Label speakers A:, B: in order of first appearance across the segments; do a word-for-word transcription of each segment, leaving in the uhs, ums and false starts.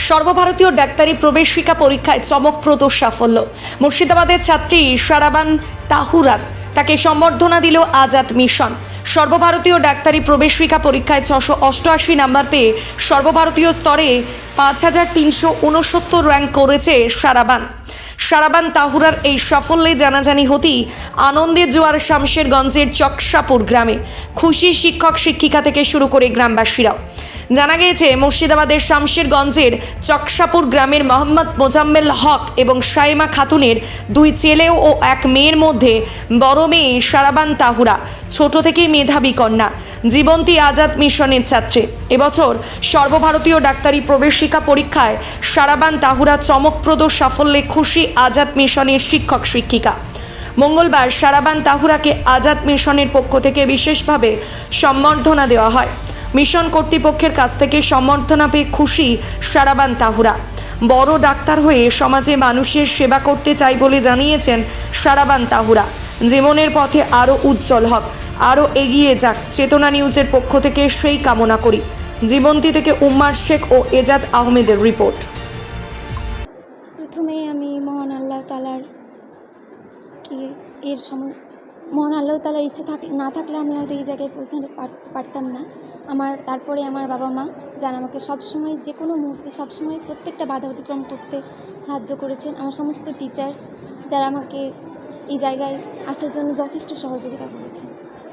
A: সর্বভারতীয় ডাক্তারি প্রবেশিকা পরীক্ষায় চমকপ্রদ সাফল্য। মুর্শিদাবাদের ছাত্রী সারাবান তাহুরার তাকে সম্বর্ধনা দিল আজাদ মিশন। সর্বভারতীয় ডাক্তারি প্রবেশিকা পরীক্ষায় ছশো অষ্টআশি নাম্বার পেয়ে সর্বভারতীয় স্তরে পাঁচ হাজার তিনশো উনসত্তর র্যাঙ্ক করেছে সারাবান। সারাবান তাহুরার এই সাফল্যে জানাজানি হতেই আনন্দের জোয়ার শামশেরগঞ্জের চকসাপুর গ্রামে। খুশি শিক্ষক শিক্ষিকা থেকে শুরু করে গ্রামবাসীরাও। জানা গিয়েছে মুর্শিদাবাদের শামশেরগঞ্জের চকসাপুর গ্রামের মোহাম্মদ মোজাম্মেল হক এবং সাইমা খাতুনের দুই ছেলে ও এক মেয়ের মধ্যে বড় মেয়ে সারাবান তাহুরা ছোট থেকেই মেধাবী কন্যা, জীবন্তী আজাদ মিশনের ছাত্রী। এবছর সর্বভারতীয় ডাক্তারি প্রবেশিকা পরীক্ষায় সারাবান তাহুরা চমকপ্রদ সাফল্যে খুশি আজাদ মিশনের শিক্ষক শিক্ষিকা। মঙ্গলবার সারাবান তাহুরাকে আজাদ মিশনের পক্ষ থেকে বিশেষভাবে সম্বর্ধনা দেওয়া হয়। মিশন কর্তৃপক্ষের কাছ থেকে সম্বর্ধনা পেয়ে খুশি সারাবান তাহুরা। বড় ডাক্তার হয়ে সমাজে মানুষের সেবা করতে চাই বলে জানিয়েছেন সারাবান তাহুরা। জীবনের পথে আরও উজ্জ্বল হোক, আরও এগিয়ে যাক, চেতনা নিউজের পক্ষ থেকে সেই কামনা করি। জীবন্তী থেকে উম্মার শেখ ও এজাজ আহমেদের রিপোর্ট।
B: প্রথমে আমি মহান আল্লাহ তালার কি এর সময় মহান আল্লাহ তালার ইচ্ছে থাক না থাকলে আমি হয়তো এই জায়গায় পৌঁছাতে পারতাম না। আমার তারপরে আমার বাবা মা যারা আমাকে সবসময় যে কোনো মুহূর্তে সবসময় প্রত্যেকটা বাধা অতিক্রম করতে সাহায্য করেছেন। আমার সমস্ত টিচার্স যারা আমাকে এই জায়গায় আসার জন্য যথেষ্ট সহযোগিতা করেছেন।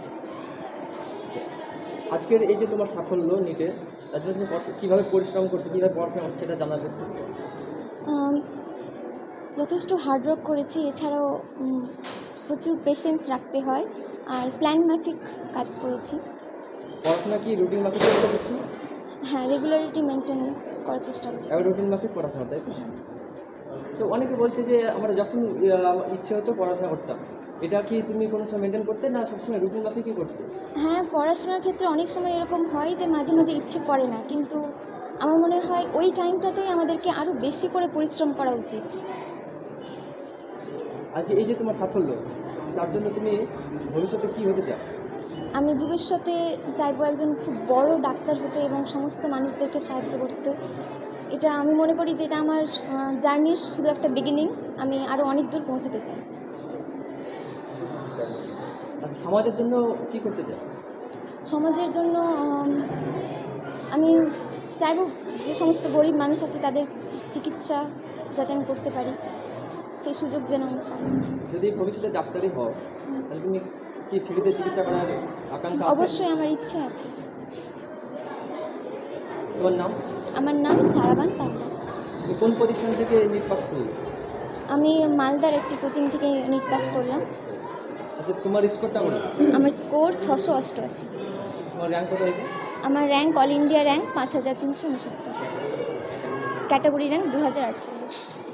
C: আজকের এই যে তোমার সাফল্য নিতে তার জন্য কীভাবে পরিশ্রম করছো, কীভাবে পড়াশোনা করছো সেটা জানাবে।
B: যথেষ্ট হার্ডওয়ার্ক করেছি, এছাড়াও প্রচুর পেশেন্স রাখতে হয় আর প্ল্যান মাফিক কাজ করেছি।
C: পড়াশোনা কি রুটিন মাফিক করছি?
B: হ্যাঁ, রেগুলারিটি মেনটেন করার চেষ্টা করি।
C: রুটিন মাফিক পড়াশোনা, তাই তো? অনেকে বলছে যে আমরা যখন ইচ্ছে হতো পড়াশোনা করতাম, এটা কি তুমি কোনো সময় মেনটেন করতে না সবসময় রুটিন মাফিকই করতে?
B: হ্যাঁ, পড়াশোনার ক্ষেত্রে অনেক সময় এরকম হয় যে মাঝে মাঝে ইচ্ছে করে না, কিন্তু আমার মনে হয় ওই টাইমটাতেই আমাদেরকে আরও বেশি করে পরিশ্রম করা উচিত।
C: আজ এই যে তোমার সাফল্য, তার জন্য তুমি ভবিষ্যতে কী হতে চাও?
B: আমি ভবিষ্যতে চাইবো একজন খুব বড় ডাক্তার হতে এবং সমস্ত মানুষদেরকে সাহায্য করতে। এটা আমি মনে করি যে এটা আমার জার্নির শুধু একটা বিগিনিং, আমি আরও অনেক দূর পৌঁছাতে চাই।
C: সমাজের জন্য কি করতে চাই?
B: সমাজের জন্য আমি চাইবো যে সমস্ত গরিব মানুষ আছে তাদের চিকিৎসা যাতে আমি করতে পারি, সেই সুযোগ যেন আমি পাই।
C: যদি ভবিষ্যতে ডাক্তারি হও তাহলে তুমি কি ফ্রিতে চিকিৎসা করার আকাঙ্ক্ষা আছে?
B: অবশ্যই আমার ইচ্ছে আছে।
C: তোমার নাম?
B: আমার নাম সারাবান তাহুরা।
C: তুমি কোন প্রতিষ্ঠান থেকে নিট পাস করলে?
B: আমি মালদার একটি কোচিং থেকে নিট পাস করলাম।
C: আচ্ছা, তোমার স্কোরটা কত?
B: আমার স্কোর ছশো অষ্টআশি।
C: তোমার র্যাঙ্ক কত হয়েছে?
B: আমার র্যাঙ্ক অল ইন্ডিয়া র্যাঙ্ক পাঁচ হাজার তিনশো উনসত্তর, ক্যাটাগরি র্যাঙ্ক দু হাজার আটচল্লিশ।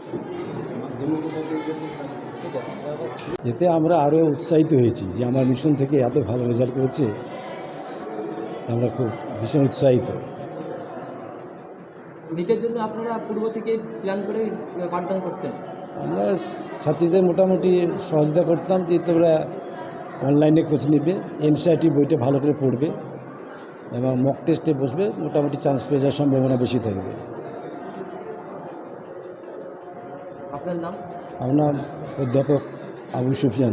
D: এতে আমরা আরও উৎসাহিত হয়েছি যে আমার মিশন থেকে এত ভালো রেজাল্ট করেছে, আমরা খুব ভীষণ উৎসাহিত।
C: নিটের জন্য আপনারা পূর্ব থেকে প্ল্যান করে পাঠদান করতেন?
D: আমরা ছাত্রীদের মোটামুটি সহযোগিতা করতাম যে তোমরা অনলাইনে কোচ নেবে, এনসিআরটি বইটা ভালো করে পড়বে এবং মক টেস্টে বসবে, মোটামুটি চান্স পেয়ে যাওয়ার সম্ভাবনা বেশি থাকবে।
C: আপনার নাম?
D: আমার নাম অধ্যাপক আবু সুফিয়ান।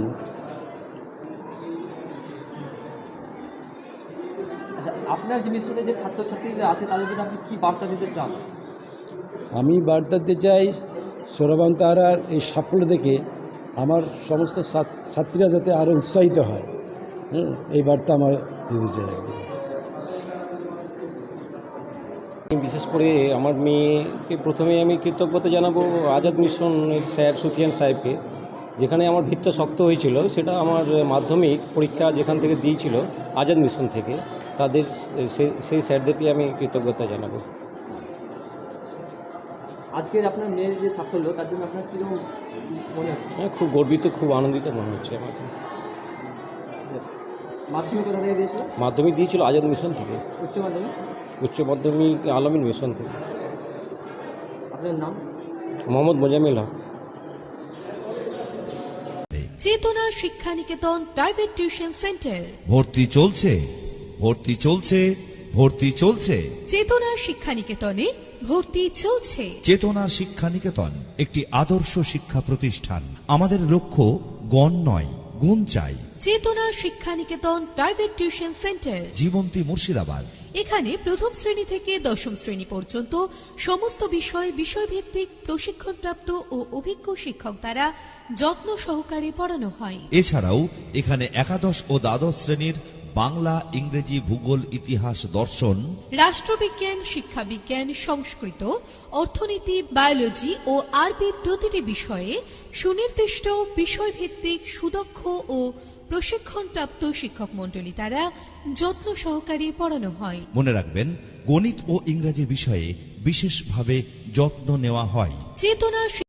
C: আচ্ছা, আপনার যে মিশনে যে ছাত্রছাত্রীরা আছে তাদের জন্য আপনি কী বার্তা দিতে চান?
D: আমি বার্তা দিতে চাই সারাবান তাহুরার এই সাফল্য দেখে আমার সমস্ত ছাত্রীরা যাতে আরও উৎসাহিত হয়, হুম, এই বার্তা আমার দিতে চাই।
E: বিশেষ করে আমার মেয়েকে প্রথমে আমি কৃতজ্ঞতা জানাবো আজাদ মিশনের স্যার সুফিয়ান সাহেবকে, যেখানে আমার ভিত্তি শক্ত হয়েছিল সেটা আমার মাধ্যমিক পরীক্ষা যেখান থেকে দিয়েছিল আজাদ মিশন থেকে, তাদের সেই স্যারদেরকে আমি কৃতজ্ঞতা জানাবো।
C: আজকের আপনার মেয়ের যে সাফল্য তার জন্য আপনার কীরকম মনে হচ্ছে?
E: হ্যাঁ, খুব গর্বিত, খুব আনন্দিত মনে হচ্ছে আমাকে।
C: মাধ্যমিক কোথা থেকে দিয়েছিল?
E: মাধ্যমিক দিয়েছিল আজাদ মিশন থেকে।
C: উচ্চ মাধ্যমিক?
E: উচ্চ মাধ্যমিক আলামিন মিশন থেকে।
C: আপনার নাম?
E: মোহাম্মদ মোজাম্মেল হক।
F: চেতনা Shiksha Niketan private tuition centre.
G: ভর্তি চলছে ভর্তি চলছে ভর্তি চলছে
F: চেতনা শিক্ষা নিকেতনে ভর্তি চলছে।
G: চেতনা শিক্ষা নিকেতন একটি আদর্শ শিক্ষা প্রতিষ্ঠান। আমাদের লক্ষ্য গণ নয়, গুণ চাই।
F: Chetana Shiksha Niketan private tuition centre,
G: Jibanti Murshidabad.
F: এখানে প্রথম শ্রেণী থেকে দশম শ্রেণী পর্যন্ত সমস্ত বিষয় বিষয়ভিত্তিক প্রশিক্ষণপ্রাপ্ত ও অভিজ্ঞ শিক্ষক দ্বারা যত্ন সহকারে পড়ানো হয়।
G: এছাড়াও এখানে একাদশ ও দ্বাদশ শ্রেণীর বাংলা, ইংরেজি, ভূগোল, ইতিহাস, দর্শন,
F: রাষ্ট্রবিজ্ঞান, শিক্ষাবিজ্ঞান, সংস্কৃত, অর্থনীতি, বায়োলজি ও আরবি প্রতিটি বিষয়ে সুনির্দিষ্ট বিষয়ভিত্তিক সুদক্ষ ও প্রশিক্ষণপ্রাপ্ত শিক্ষক মণ্ডলী দ্বারা যত্ন সহকারে পড়ানো হয়।
G: মনে রাখবেন, গণিত ও ইংরেজি বিষয়ে বিশেষভাবে যত্ন নেওয়া হয়।
F: চেতনা